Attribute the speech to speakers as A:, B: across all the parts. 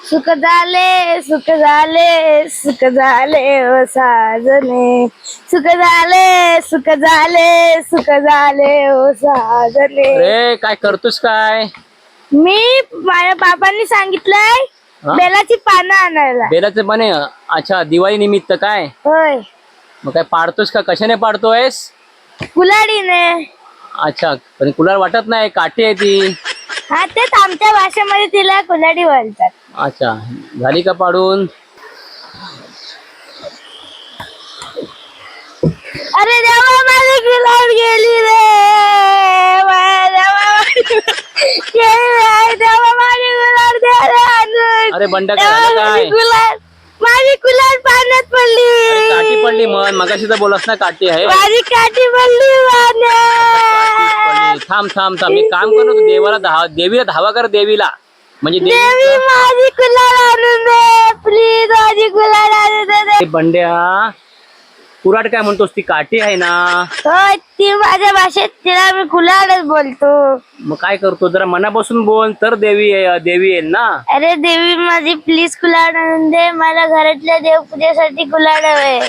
A: सुख झाले सुख झाले सुख झाले ओ साजने, सुख झाले सुख झाले सुख झाले ओ साजने.
B: अरे काय करतोस काय?
A: मी माझ्या बाबांनी सांगितलंय
B: हा?
A: बेलाची पानं आणायला.
B: बेलाचे पाने? अच्छा, दिवाळी निमित्त काय?
A: होय,
B: मग काय पाडतोस का? कशाने पाडतोयस?
A: कुलाडीने.
B: अच्छा, पण कुलार वाटत नाही, काठी आहे ती.
A: हा, तेच आमच्या भाषेमध्ये तिला कुलाडी बोलतात.
B: अच्छा, झाली का पाडून?
A: अरे देवा, माझी कुलाड गेली रे. देवा, माझी कुलाड दे रे आणून.
B: अरे बंड्या, काय झालं काय?
A: माझी कुलाड पाण्यात पडली.
B: अरे काठी पडली. मन मगाशी तर बोलस ना काठी आहे.
A: माझी काठी पडली पाण्यात.
B: थांब थांब थांब, मी काम करतो. तू देवीला धावा कर, देवीला. म्हणजे
A: देवी, माझी कुलाड आणून दे प्लीज. माझी कुलाड आणून दे.
B: बंड्या, कुराड काय म्हणतोस? ती काठी आहे ना?
A: होय, ती माझ्या भाषेत तिला मी कुलाडच बोलतो.
B: मग काय करतो? जरा मनापासून बोल तर देवी येईल ना.
A: अरे देवी, माझी प्लीज कुलाड आणून दे. मला घरातल्या देवपूजेसाठी कुलाड हवे.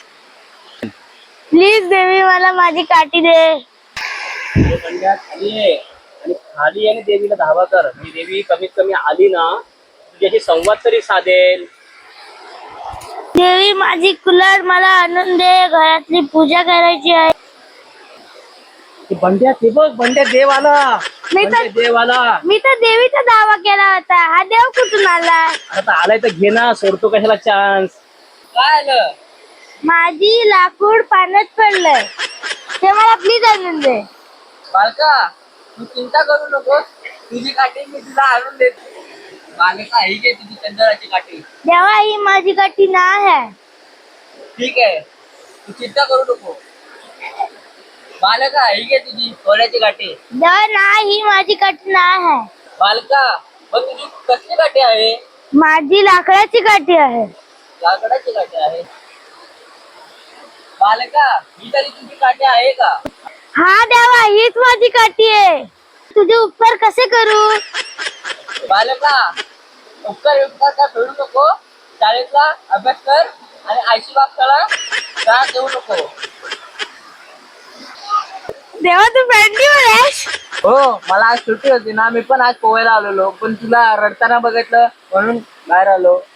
A: प्लीज देवी, मला माझी काठी दे.
B: बंड्या, खाली आहे आणि खाली आहे, देवीला धावा कर. ही देवी कमीत कमी आली ना, तुझ्याशी संवाद तरी साधेल.
A: देवी, माझी कुलाड मला आणून दे. घरातली पूजा करायची आहे.
B: बंड्या, ते बघ, बंड्या देव आला. देव आला.
A: मी तर देवीचा दावा केला होता. हा देव कुठून आला?
B: आता आलाय तर घे ना, सोडतो कशाला चान्स. काय आलं?
A: माझी लाकूड पाण्यात पडलंय, ते मला प्लीज आणून दे.
C: बालका, तू चिंता करू नकोस. तुझी काठी मी तुला आणून देतो. बालका, ही घे तुझी चंदनाची काठी.
A: देवा, ही माझी काठी नाही आहे.
C: ठीक आहे, तू चिंता करू नको. बालका, ही घे तुझी सोन्याची काठी.
A: देवा, नाही, ही माझी काठी नाही आहे.
C: बालका, मग तुझी कसली काठी आहे?
A: माझी लाकडाची काठी आहे.
C: लाकडाची काठी आहे. बालका, ही तरी तुझी काठी आहे का?
A: हा देवा, हीच माझी काठी आहे. तुझे उपकार कसे करू?
C: बालका, उपकार का फेडू नको. शाळेतला अभ्यास कर आणि आईशी बापसाला त्रास देऊ नको.
A: देवा, तू बँडीवर आहेस?
C: हो, मला आज सुट्टी होती ना, मी पण आज पोहायला आलेलो, पण तुला रडताना बघितलं म्हणून बाहेर आलो.